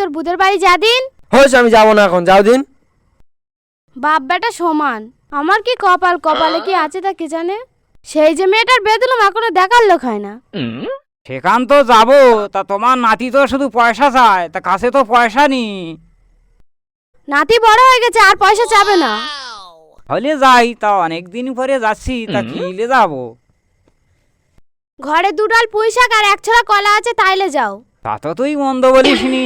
তোর বুদের বাড়ি যা দিন। হয়েছে, আমি যাবো না এখন, যাও দিন। বাপ বেটা সমান, আমার কি কপাল, কপালে কি আছে তা কে জানে। সেই যে মেয়েটার বেদুলম এখনো দেখার লোক হয় না। সেখান তো যাবো, তা তোমার নাতি তো শুধু পয়সা চায়, তা কাছে তো পয়সা নি। নাতি বড় হয়ে গেছে, আর পয়সা চাবে না। হলে যাই, তা অনেকদিন পরে যাচ্ছি, তা কিলে যাবো। ঘরে দুডাল পুঁই শাক আর এক ছড়া কলা আছে, তাইলে যাও। তা তো তুই মন্দ বলিসনি।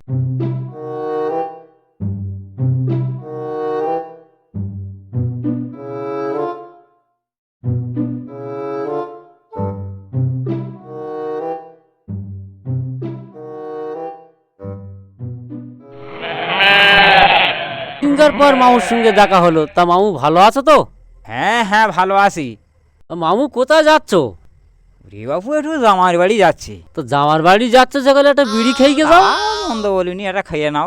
দিনকার পর মামুর সঙ্গে দেখা হলো, তা মামু ভালো আছো তো? হ্যাঁ হ্যাঁ, ভালো আছি। মামু কোথায় যাচ্ছ? রে বাবু, একটু জামার বাড়ি যাচ্ছি। তো জামার বাড়ি যাচ্ছ সকালে, একটা বিড়ি খেয়ে গে যাও। মন্দ বলিনি, এটা খাইয়ে নাও।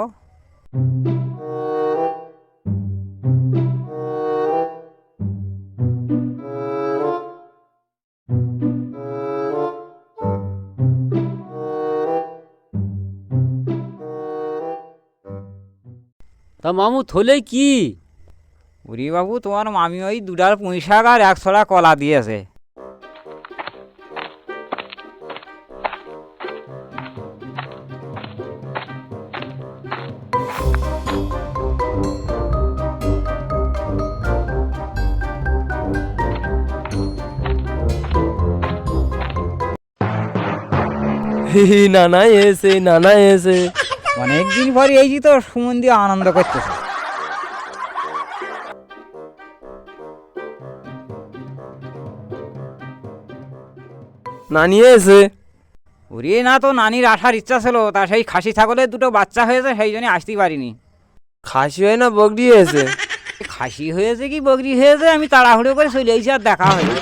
তা মামু থলে কি? উরি বাবু, তোমার মামি ওই দুডাল পুঁই শাক আর এক ছড়া কলা দিয়েছে। নানা এসে, নানা এসে। অনেকদিন পরে এই যে তো সুমন দিয়ে আনন্দ করতেছে। নানি এসে। ওরে না, তো নানির আসার ইচ্ছা ছিল, তা সেই খাসি ছাগলের দুটো বাচ্চা হয়েছে, সেই জন্য আসতেই পারিনি। খাসি হয় না বগড়ি এসে? খাসি হয়েছে কি বকরি হয়েছে, আমি তাড়াহুড়ো করে চলে এসেছি, আর দেখা হয়নি।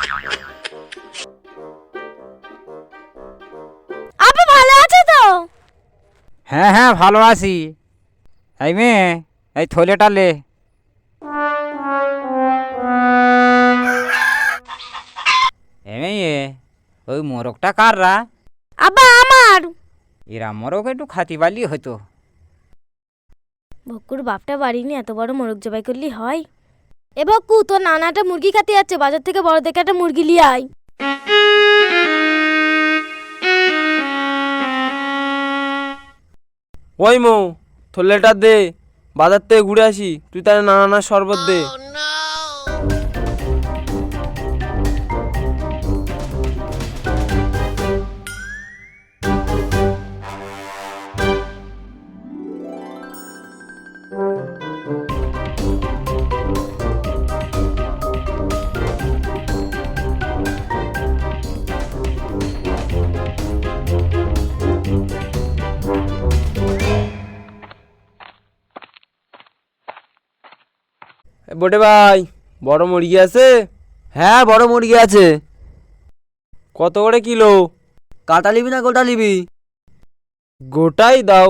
আপনি ভালো আছে তো? হ্যাঁ হ্যাঁ, ভালো আছি। এই মেয়ে, এই থলেটা লে। মেয়ে, ওই মোরগটা কাররা? আব্বা আমার। এরা মোরগ একটু খাতি বালি হতো। বকুর বাপটা বাড়িনি, এত বড় মোরগ জবাই করলি হয়? এ বকু, তোর নানাটা মুরগি খাতে যাচ্ছে, বাজার থেকে বড় দেখে একটা মুরগি লিয়ে আয়। ওই মৌ, থলেটা দে, বাজার থেকে ঘুরে আসি, তুই তাহলে নানা শরবত দে। বটে ভাই, বড় মুরগি আছে? হ্যাঁ, বড় মুরগি আছে। কত করে কিলো? কাটা নিবি না গোটা নিবি? গোটাই দাও।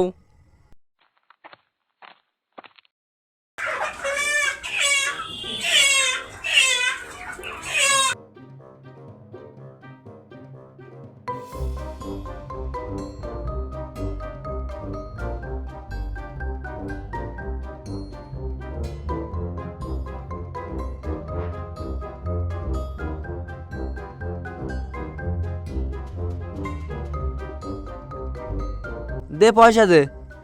দে পয়সা দে।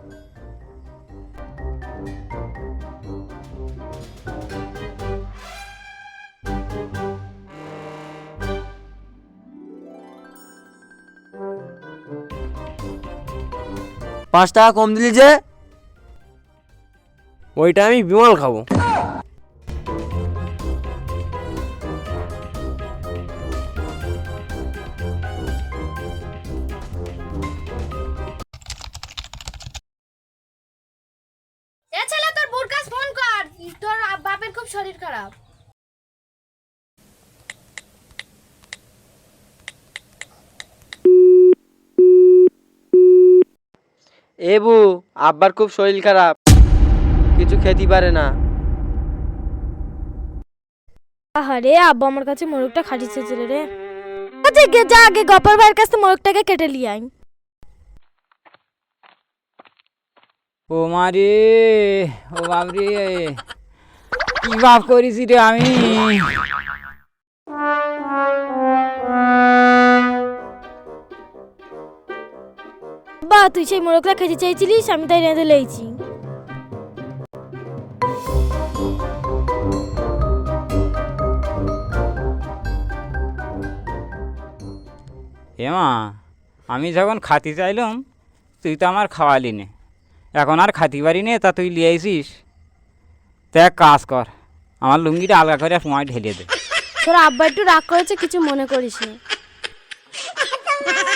৳5 কম দিলি যে? ওইটা আমি বিমল খাবো। এ ছেলে, তোর বোর কাছে ফোন কর, তোর বাপের খুব শরীর খারাপ। এবু, আব্বার খুব শরীর খারাপ, কিছু খেতে পারে না। আহারে, আব্বা আমার কাছে মোরগটা খাটিয়েছে ছেলে রে। আচ্ছা যা, আগে গপার ভাইয়ের কাছে মোরগটাকে কেটে লিয়ে আয়। ও মা রে, ও বাপ রে, কি বাপ করেছি রে আমি। বা তুই সেই মোরগলা খেতে চাইছিলিস, আমি তাই রেঁধে লেইছি। মা, আমি যখন খাতি চাইলাম তুই তো আমার খাওয়ালি নে, এখন আর খাতি পারি নে, তা তুই লিয়ে আইসিস। তা এক কাজ কর, আমার লুঙ্গিটা আলগা করে সময় ঢেলে দে। তোর আব্বা একটু রাগ করেছে, কিছু মনে করিস না।